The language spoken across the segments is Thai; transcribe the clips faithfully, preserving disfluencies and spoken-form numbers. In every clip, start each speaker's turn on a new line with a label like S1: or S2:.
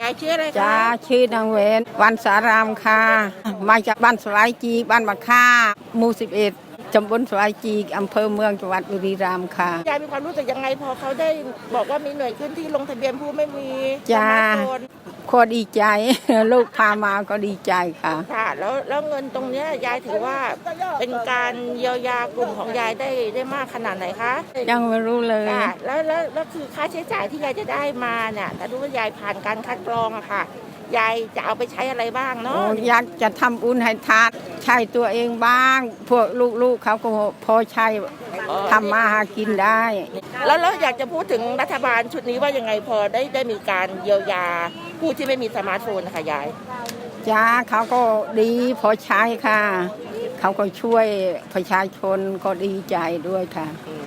S1: ายชื่ออะไรคะ
S2: จ้าชื่อนางเวนวันสารามค่ะมาจากบ้านสวายจีบ้านบักค่าหมู่สิบเอ็ดตำบลสวายจีอำเภอเมืองจังหวัดบุรีรัมย์ค่ะ
S1: ยายมีความรู้สึกยังไงพอเขาได้บอกว่ามีหน่วยขึ้นที่ลงทะเบียนผู้ไม่มี
S2: จ้าโคตรดีใจลูกพามาก็ดีใจค่ะ
S1: ค่ะแล้วแล้วเงินตรงนี้ยายถือว่าเป็นการเยียวยากลุ่มของยายได้ได้มากขนาดไหนคะ
S2: ยังไม่รู้เลย
S1: ค่ะแล้วแล้วแล้วคือค่าใช้จ่ายที่ยายจะได้มาเนี่ยถ้ารู้ว่ายายผ่านการคัดกรองอะค่ะยายจะเอาไปใช้อะไรบ้างเนาะ
S2: อยากจะทำบุญให้ทานใช้ตัวเองบ้างพวกลูกๆเขาก็พอใช้ทำมาหากินได้
S1: แล้วแล้วอยากจะพูดถึงรัฐบาลชุดนี้ว่ายังไงพอได้ได้มีการเยียวยาผู้ที่ไม่มีสมาร์ทโฟนนะคะยาย
S2: จ้าเขาก็ดีพอใช้ค่ะเขาก็ช่วยประชาชนก็ดีใจด้วยค่ะ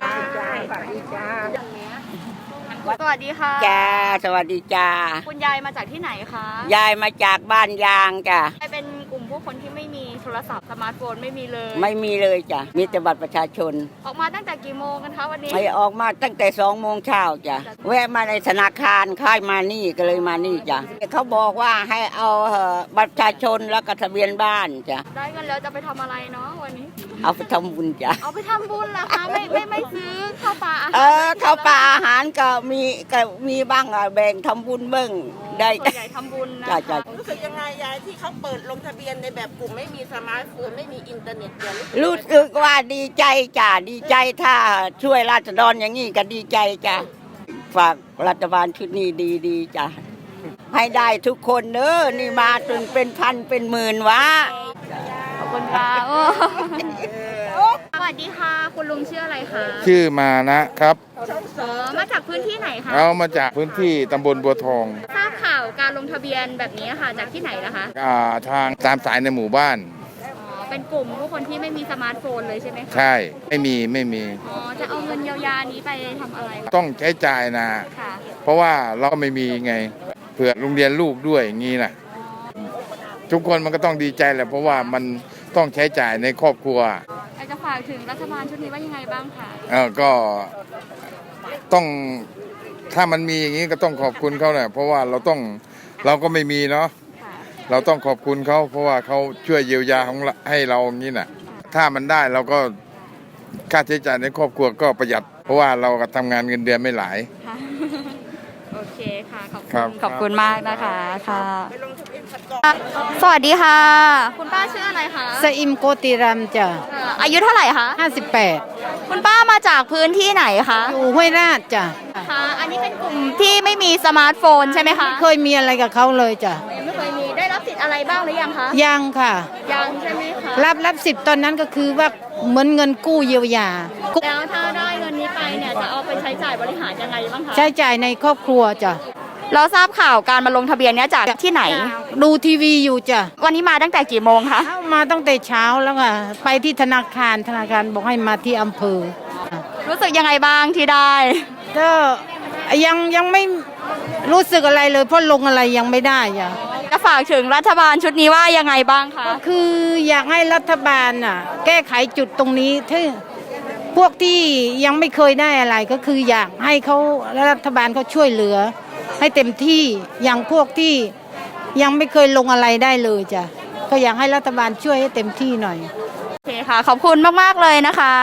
S3: สวัสดีค่ะ
S4: จ้าสวัสดีจ้า
S3: คุณยายมาจากที่ไหนคะ
S4: ยายมาจากบ้านยางจ้ะ
S3: ยายเป็นกลุ่มผู้คนที่ไม่มีโทรศัพท์สมาร์ทโฟนไม่มีเลย
S4: ไม่มีเลยจ้ะมีแต่บัตรประชาชน
S3: ออกมาตั้งแต่กี่โมงกันคะวันนี้
S4: ไม่ออกมาตั้งแต่สองโมงเช้าจ้ะแวะมาในธนาคารค่ายมานี่ก็เลยมานี่จ้ะเขาบอกว่าให้เอาบัตรประชาชนแล้วก็ทะเบียนบ้านจ้ะ
S3: ได้เงินแล้วจะไปทำอะไรเนาะวันนี้
S4: เอาไปทำบุญจ้ะ
S3: เอาไปทำบุญเหรอคะไม่ไม่ไม่ซื้อข้าวปลาอาหาร
S4: เออข้าวปลาอาหารก็มีก็มีบ้างแบ่งทำบุญเบิ้งได้
S3: ส่วนใหญ่ทำบุญนะ
S4: จ้ะ
S1: รู้สึกยังไงยายที่เขาเปิดลงทะเบียนในแบบกลุ่มไม่มีสมาร์ทโฟนไม่มีอินเทอร์เน็ตเดียว
S4: รู้สึกว่าดีใจจ้ะดีใจถ้าช่วยราษฎรอย่างนี้ก็ดีใจจ้ะฝากรัฐบาลชุดนี้ดีดีจ้ะให้ได้ทุกคนเนอะนี่มาจนเป็นพันเป็นหมื่นวะ
S3: ขอบคุณค่ะสวัสดีค่ะคุณลุงชื่ออะไรคะ
S5: ชื่อมานะครับ
S3: อ๋อมาจากพื้นที่ไหนคะ
S5: เอามาจากพื้นที่ตำบลบัวทอง
S3: ทราบข่าวการลงทะเบียนแบบนี้ค่ะจากที่ไหนล่ะคะ
S5: อ่าทางตามสายในหมู่บ้าน
S3: อ๋อเป็นกลุ่มผู้คนที่ไม่มีสมาร์ทโฟนเลยใช่ไหมคะ
S5: ใช่ไม่มีไม่มี
S3: อ๋อจะเอาเงินเยียวยานี้ไปทำอะไร
S5: ต้องใช้จ่ายนะ
S3: ค่ะ
S5: เพราะว่าเราไม่มีไงเผื่อโรงเรียนลูกด้วยอย่างนี้นะทุกคนมันก็ต้องดีใจแหละเพราะว่ามันต้องใช้จ่ายในครอบครัว
S3: อยากจะฝากถึงรัฐบาลชุดนี้ว่ายังไงบ้างคะ
S5: เออก็ต้องถ้ามันมีอย่างนี้ก็ต้องขอบคุณเขาแหละเพราะว่าเราต้องเราก็ไม่มีเนาะเราต้องขอบคุณเขาเพราะว่าเขาช่วยเยียวยาของให้เราอย่างนี้น่ะถ้ามันได้เราก็ค่าใช้จ่ายในครอบครัวก็ประหยัดเพราะว่าเราก็ทำงานเงินเดือนไม่หลาย
S3: โอเคค่ะขอบคุณขอบคุณมากนะคะค่ะสวัสดีค่ะคุณป้าชื่ออะไรคะ
S2: สอิมโกติรัมจ้ะ
S3: อายุเท่าไหร่คะ
S2: ห้าสิบแปด
S3: คุณป้ามาจากพื้นที่ไหนคะ
S2: อยู่ห้วยราชจ้ะ
S3: ค่ะอันนี้เป็นกลุ่มที่ไม่มีสมาร์ทโฟนใช่ไหมคะ
S2: เคยมีอะไรกับเขาเลยจ้ะ
S3: ยังไม่เคยมีได้รับสิทธิ์อะไรบ้างหรือยังคะ
S2: ยังค่ะ
S3: ยังใช่ไหมคะ
S2: รับรับสิทธิ์ตอนนั้นก็คือว่าเหมือนเงินกู้เยียวยา
S3: แล้วถ้าได้เงินนี้ไปเนี่ยจะเอาไปใช้จ่ายบริหารยังไงบ้างคะ
S2: ใช้จ่ายในครอบครัวจ้ะ
S3: เราทราบข่าวการมาลงทะเบียนเนี้ยจากที่ไหน
S2: ดูทีวีอยู่จ้ะ
S3: วันนี้มาตั้งแต่กี่โมงคะ
S2: มาตั้งแต่เช้าแล้วค่ะไปที่ธนาคารธนาคารบอกให้มาที่อำเภอ
S3: รู้สึกยังไงบ้างที่ได้
S2: ก็ยังยังไม่รู้สึกอะไรเลยเพราะลงอะไรยังไม่ได้จ้ะ
S3: จะฝากถึงรัฐบาลชุดนี้ว่ายังไงบ้างคะ
S2: คืออยากให้รัฐบาลน่ะแก้ไขจุดตรงนี้ที่พวกที่ยังไม่เคยได้อะไรก็คืออยากให้เขารัฐบาลเขาช่วยเหลือให้เต็มที่อย่างพวกที่ยังไม่เคยลงอะไรได้เลยจ้ะก็อยากให้รัฐบาลช่วยให้เต็มที่หน่อย
S3: โอเคค่ะขอบคุณมากๆเลยนะคะ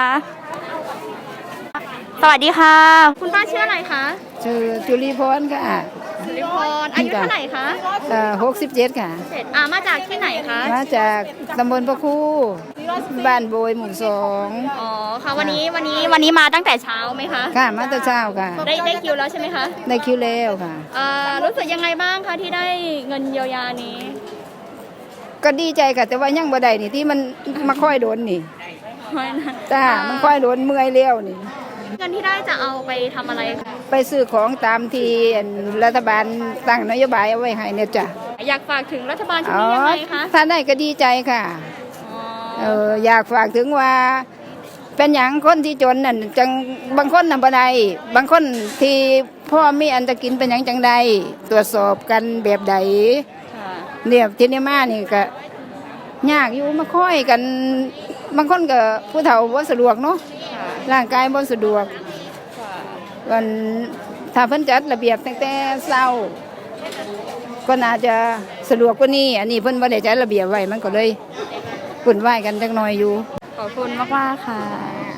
S3: สวัสดีค่ะคุณป้าชื่ออะไรคะ
S2: ชื่อจุลีพรค่ะ
S3: จุลีพรอายุเท่าไหร่คะ
S2: เอ่อหกสิบเจ็ดค่ะ
S3: อ่ามาจากที่ไหนคะ
S2: มาจากตำบลพระคูบ้านโบยหมู่สอง
S3: อ๋อค่ะวันนี้วันนี้วันนี้มาตั้งแต่เช้าไหมคะ
S2: ค่ะมาแต่เช้าค่ะ
S3: ได้ได้คิวแล้วใช่ไหมคะ
S2: ได้คิวแล้วค่ะ
S3: เอ่อรู้สึกยังไงบ้างคะที่ได้เงินเยียวยานี้
S2: ก็ดีใจค่ะแต่ว่ายังบ่ได้นี่ที่มันมาค่อยโดนนี่จ้ามันค่อยโดนเมื่อยเลี้ยวนี่
S3: เงินที่ได้จะเอาไปทำอะไรคะ
S2: ไปซื้อของตามที่รัฐบาลตั้งนโยบายเอาไว้ให้เนี่ยจ้ะ
S3: อยากฝากถึงรัฐบาลชุดนี้ยังไงคะ
S2: ถ้าได้ก็ดีใจค่ะเอออยากฝากถึงว่าเป็นอย่างคนที่จนนั่นจังบางคนนำบ่ได้บางคนที่พ่อมีอันจะกินเป็นอย่างจังใดตรวจสอบกันแบบใดเนี่ยที่นี่มานี่ก็ยากอยู่มาค่อยกันบางคนก็ผู้เฒ่าบ่สะดวกเนาะร่างกายบ่สะดวกวันถ้าเพิ่นจัดระเบียบตั้งแต่เช้าก็น่าจะสะดวกกว่านี้อันนี้เพิ่นบ่ได้จัดระเบียบไว้มันก็เลยวุ่นวายกันจักหน่อยอยู่
S3: ขอบคุณมากๆค่ะ